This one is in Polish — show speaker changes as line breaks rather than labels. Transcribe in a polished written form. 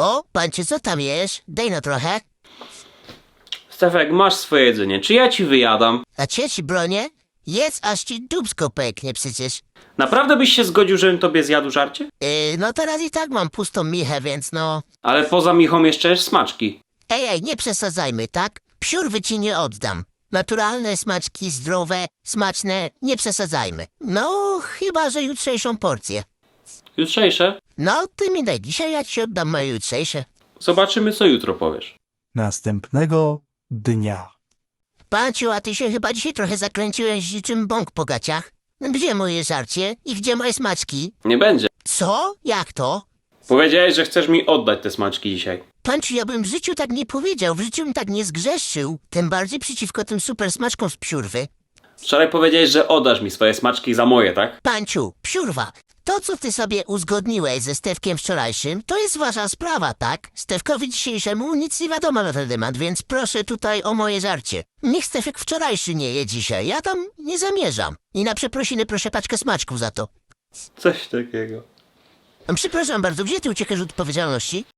O, Panciu, co tam jesz? Daj no trochę.
Stefek, masz swoje jedzenie. Czy ja ci wyjadam?
A ci bronię? Jedz, aż ci dupsko pęknie przecież.
Naprawdę byś się zgodził, żebym tobie zjadł żarcie?
No teraz i tak mam pustą michę, więc no...
Ale poza michą jeszcze jesz smaczki.
Ej, nie przesadzajmy, tak? Psiurwy ci nie oddam. Naturalne smaczki, zdrowe, smaczne, nie przesadzajmy. No, chyba że jutrzejszą porcję.
Jutrzejsze?
No, ty mi daj dzisiaj, ja ci oddam moje jutrzejsze.
Zobaczymy, co jutro powiesz.
Następnego dnia.
Panciu, a ty się chyba dzisiaj trochę zakręciłeś niczym bąk po gaciach. Gdzie moje żarcie i gdzie moje smaczki?
Nie będzie.
Co? Jak to?
Powiedziałeś, że chcesz mi oddać te smaczki dzisiaj.
Panciu, ja bym w życiu tak nie powiedział, w życiu bym tak nie zgrzeszył. Tym bardziej przeciwko tym super smaczkom z psiurwy.
Wczoraj powiedziałeś, że oddasz mi swoje smaczki za moje, tak?
Panciu, psiurwa, to co ty sobie uzgodniłeś ze Stefkiem wczorajszym, to jest wasza sprawa, tak? Stefkowi dzisiejszemu nic nie wiadomo na ten temat, więc proszę tutaj o moje żarcie. Niech Stefek wczorajszy nie je dzisiaj, ja tam nie zamierzam. I na przeprosiny proszę paczkę smaczków za to.
Coś takiego.
Przepraszam bardzo, gdzie ty uciekasz od odpowiedzialności?